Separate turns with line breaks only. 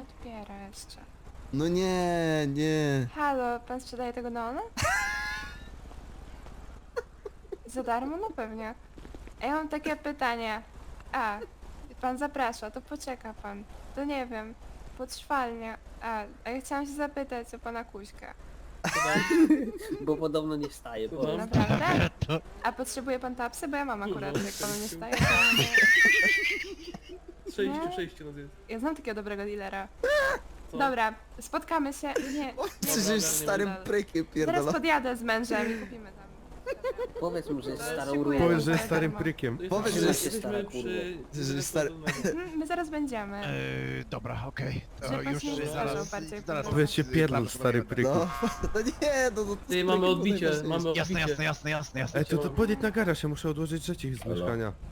odbiera jeszcze.
No nie, nie.
Halo, pan sprzedaje tego neona? Za darmo? No pewnie. A ja mam takie pytanie. A, pan zaprasza, to poczeka pan. To nie wiem, podszwalnie. A ja chciałam się zapytać o pana Kuśka.
Bo podobno nie wstaje. Bo...
Naprawdę? A potrzebuje pan tapsy? Bo ja mam akurat, jak panu nie staje, to...
Przejście no
Ja znam takiego dobrego dealera.
Co?
Dobra, spotkamy się. Nie,
Przecież starym prykiem
Zaraz
pierdolą.
podjadę z mężem i kupimy tam.
Powiedz mu, że jest starą
Szykuję.
urwą.
Powiedz, że jest
Za
starym
darmo.
prykiem.
Powiedz, że
jesteśmy
stara
przy...
Że stary-
My zaraz będziemy.
Dobra, okej. To
Żeby pan
już
się nie
zaraz,
zdarzał bardziej
zaraz.
Powiedz się pierdol, stary pryku.
No, no nie, no to...
Ty, mamy odbicie, mamy
Jasne,
odbicie.
jasne.
Ej, to podjedź na garaż, ja muszę odłożyć rzeczy z
Halo?
mieszkania.